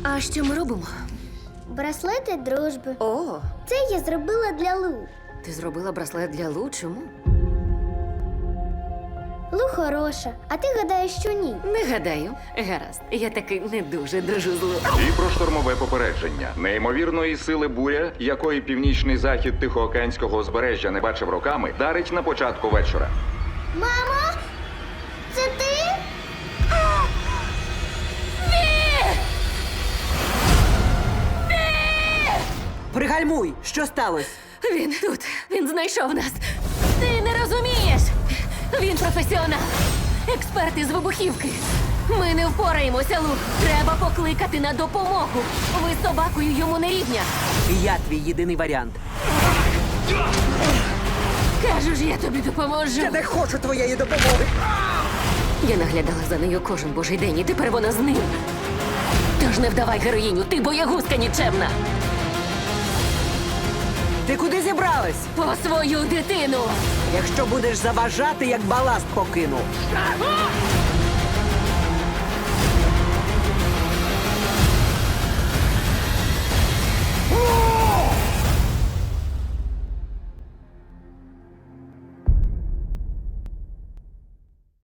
А що ми робимо? Браслети дружби. О, Це я зробила для Лу. ти зробила браслет для Лу? Чому? Лу хороша, а ти гадаєш, що ні. Не гадаю. Гаразд, я таки не дуже дружу з Лу. І про штормове попередження. Неймовірної сили буря, якої північний захід Тихоокеанського узбережжя не бачив роками, дарить на початку вечора. Мамо, це ти? Пригальмуй! Що сталося? Він тут. Він знайшов нас. Ти не розумієш. Він професіонал. Експерт із вибухівки. Ми не впораємося, Лу. Треба покликати на допомогу. Ви з собакою йому не рівня. І я твій єдиний варіант. Кажу ж, я тобі допоможу. Я не хочу твоєї допомоги! Я наглядала за нею кожен божий день, і тепер вона з ним. Тож не вдавай героїню, ти боягузка нікчемна. Ти куди зібралась? По свою дитину. Якщо будеш заважати, як баласт покину.